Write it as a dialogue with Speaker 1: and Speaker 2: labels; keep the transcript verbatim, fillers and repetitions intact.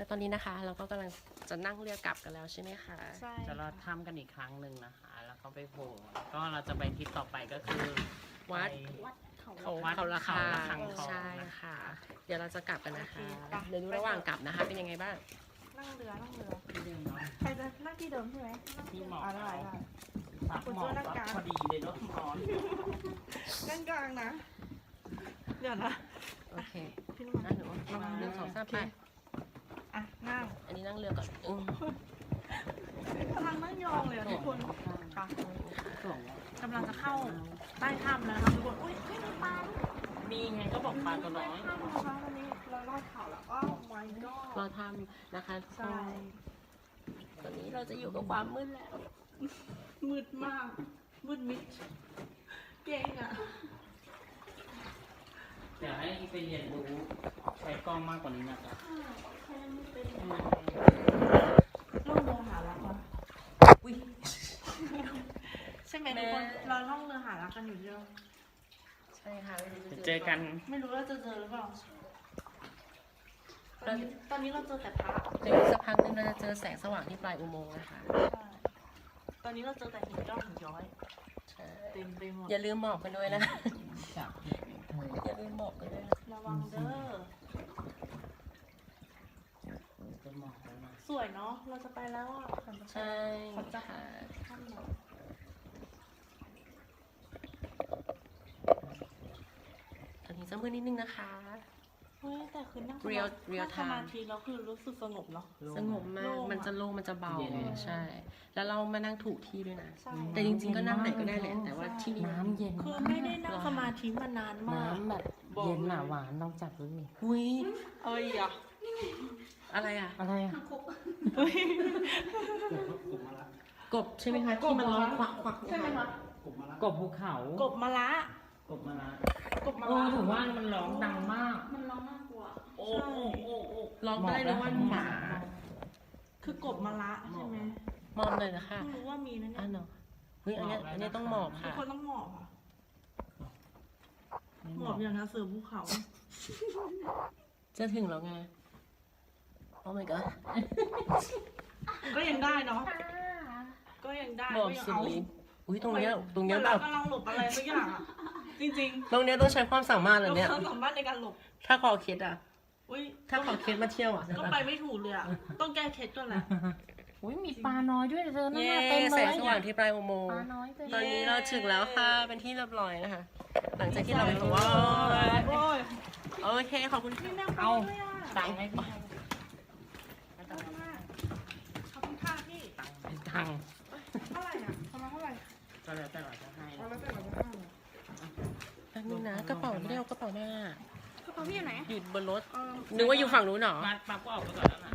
Speaker 1: ตอนนี้นะคะเราก็กำลังจะนั่งเรือกลับกันแล้วใช่ไหมคะ
Speaker 2: ใช่
Speaker 3: จะเราทำกันอีกครั้งหนึ่งนะคะ แล้วก็ไปโผล่ก็เราจะไปทริปต่อไปก็คือ
Speaker 1: วัด
Speaker 2: วัดเขา
Speaker 1: เขา
Speaker 3: วัด
Speaker 1: เขาละ
Speaker 3: เขา
Speaker 1: คา
Speaker 3: ระฆังทอง
Speaker 1: ใช่ค่ะ เดี๋ยวเราจะกลับกันนะคะ
Speaker 2: โอเคไป
Speaker 1: เดี๋ยวดูระหว่างกลับนะคะเป็นยังไงบ้าง
Speaker 2: นั่งเรือนั่งเรือ
Speaker 3: ที่เดิมเนาะ
Speaker 2: ใครจะนั่งที่เดิมใช่ไหม
Speaker 3: ที่หมอก
Speaker 2: อ่าได้ได้
Speaker 3: พักหมอกวัดพอดีเลยรถร้อน
Speaker 2: นั่งกลางนะ เดี๋ยวนะ
Speaker 1: โอเค
Speaker 2: พี่นุ่
Speaker 1: นั่งหนูหนึ่งสองสามไป
Speaker 2: อ่ะนั่ง
Speaker 1: อันนี้นั่งเรือก่อนอืม
Speaker 2: กำลังนั่งยองเลยอะทุกคนค่ะกำลังจะเข้าใต้ถ้ำแล้วนะคะทุกคนอุ้ยไม่มีปลาด้วย
Speaker 3: มีไงก็บอกปลาตัวน้อย
Speaker 2: ถ้ำนะคะตอนนี้เราลอดเขาแล้วก็ my god
Speaker 1: เราทำนะคะทุกค
Speaker 2: ใช่
Speaker 1: นตอนนี้เราจะอยู่กับความมืดแล้ว
Speaker 2: มืดมาก มืดมิด เก่งอ่ะ
Speaker 3: เดี๋ยวให้ไปเรียนรู้ใช้กล้องมากกว่านี้นะจ๊ะ
Speaker 2: ล่องเรือหารักเหรอ
Speaker 1: อุ้ย
Speaker 2: ใช่ไหมทุกคนเราล่องเรือหารักกันอยู่เยอะ
Speaker 1: ใช่ค่ะไม่รู้
Speaker 3: เดี๋ยวเจอกัน
Speaker 2: ไม่รู้ว่าจะเจอหรือเปล่า ตอนนี้ตอนนี้เราเจอแต่พระ
Speaker 1: เดี๋ยวอีกสักพักหนึงเราจะเจอแสงสว่างที่ปลายอุโมงค์นะคะ
Speaker 2: ใช่ตอนนี้เราเจอแต่หินยอดหินย้อย
Speaker 1: ใช่
Speaker 2: เต็มไปหมด
Speaker 1: อย่าลืมหมอกกันด้วยนะ
Speaker 3: จับ
Speaker 1: อย่าลืมหมอกกันด้วยนะ
Speaker 2: ระวังเด้อ
Speaker 3: จะหมอกแล้วนะ
Speaker 2: สวยเนาะ เราจะไปแล้วอ่ะ
Speaker 1: ใช่
Speaker 2: ขอจับ
Speaker 1: ค่ะ
Speaker 2: ท่านหน่อย
Speaker 1: ตอนนี้จะมืดนิดนึงนะคะ
Speaker 2: เฮ้ยแต่คือนั่ง
Speaker 1: Real- real
Speaker 2: นั่งสมาธิแล้วคือรู้สึกสงบเนาะ
Speaker 1: สงบมาก มันจะโล่งมันจะเบา ใช่ แล้วเรามานั่งถูกที่ด้วยนะ
Speaker 2: ใช่
Speaker 1: แต่จริงๆก็นั่งไหนก็ได้แหละ แต่ว่าที่นี่
Speaker 4: น้ำเย็น
Speaker 2: คือไม่ได้นั่งสมาธิมานานมาก
Speaker 4: น้ำแบบเย็นหนาหวานลองจับดูดิ
Speaker 1: อุ้ย
Speaker 2: เอ้ยอ่ะ
Speaker 1: อะไรอ่ะ
Speaker 4: อะไรอ่ะ
Speaker 1: กบใช่ไหมคะที่มันร้องควักควัก
Speaker 2: ใช่ไหมคะ
Speaker 4: กบภูเขา
Speaker 2: กบมะละ
Speaker 3: กบมาละ
Speaker 2: กบมะ
Speaker 4: โอ้
Speaker 2: ละ
Speaker 4: ถือว่ามันร้องดังมาก
Speaker 2: มันร้องน่ากลัว
Speaker 3: โอ้โอ้โอ้โอ้
Speaker 1: ร้องได้เลยว่าหมา
Speaker 2: คือกบมะละใช่ไหม
Speaker 1: มอมเลยนะคะ
Speaker 2: เพิ่งรู้ว่ามีนะเนี่
Speaker 1: อ่ะ
Speaker 2: ย
Speaker 1: เนาะเฮ้ยอันเนี้ยอันเนี้ยต้องหมอบ
Speaker 2: ทุก
Speaker 1: ค่ะ
Speaker 2: คนต้องหมอบอ่ะ หมอบอย่างนะเสือภูเขา
Speaker 1: จะถึงแล้วไง โอ้ my god
Speaker 2: ก็ยังได้เนาะ ก็ยังได้
Speaker 1: หมอบ
Speaker 2: ก็ยัง
Speaker 1: สุด
Speaker 2: เอา
Speaker 1: ฤทธิ์อุ้ยตรงเนี้ยตรงเนี้ย
Speaker 2: เห
Speaker 1: แบ
Speaker 2: มือบ นเรากำลังหลบอะไรสักอย่างอ่ะ จริง
Speaker 1: ตรงเนี้ยต้องใช้ความสามารถ
Speaker 2: ๆ
Speaker 1: เล
Speaker 2: เรา
Speaker 1: ยเนี่ย
Speaker 2: สามารถในการหลบ
Speaker 1: ถ้าคอเคสอ่ะ
Speaker 2: อุ้ย
Speaker 1: ถ้าขอเคสมาเที่ยวอ่ะ
Speaker 2: ก็ไปไม่ถูกเลยอ่ะ ต้องแก้เคสก่อนแหละ
Speaker 4: อุ้ยมีปลาน้อยด้วยเธอนั่น
Speaker 1: เย้
Speaker 4: น่ะเต็มเล
Speaker 1: แส
Speaker 4: ย
Speaker 1: งสว่างที่ปลายอุโมง
Speaker 4: ป
Speaker 1: ค์
Speaker 4: ลาน้อยเต็ม
Speaker 1: ตอนนี้เราถึงแล้วค่ะ เป็นที่เรียบร้อยนะคะ หลังจากที่เราไปถึง
Speaker 2: โอ้ยโอ้ย
Speaker 1: โอเค ขอบคุณ
Speaker 2: นี่
Speaker 1: ค่ะ
Speaker 2: แม่งไป
Speaker 4: เอา
Speaker 2: ด้วยอ่ะ
Speaker 4: ตังค์ให้พี่
Speaker 2: ขอบคุณมากขอบคุณค่ะพี่
Speaker 4: ตังค์
Speaker 2: เท่าไหร่อ่ะประมาณเท่าไหร่
Speaker 3: ก็แล้วแต่เราจะให้
Speaker 2: เอาแล้วแต่เราจะให้เลย
Speaker 1: แป๊บนึงนะกระเป๋าไม่ได้เอากระเป๋าหน้าก
Speaker 2: ระเป๋าพี่อยู่ไหน
Speaker 1: อยู่บนรถ
Speaker 2: เออ
Speaker 1: นึกว่าอยู่ฝั่งนู้นเหรอ
Speaker 3: มาปั๊บก็ออกไปก่อนแล้วนะ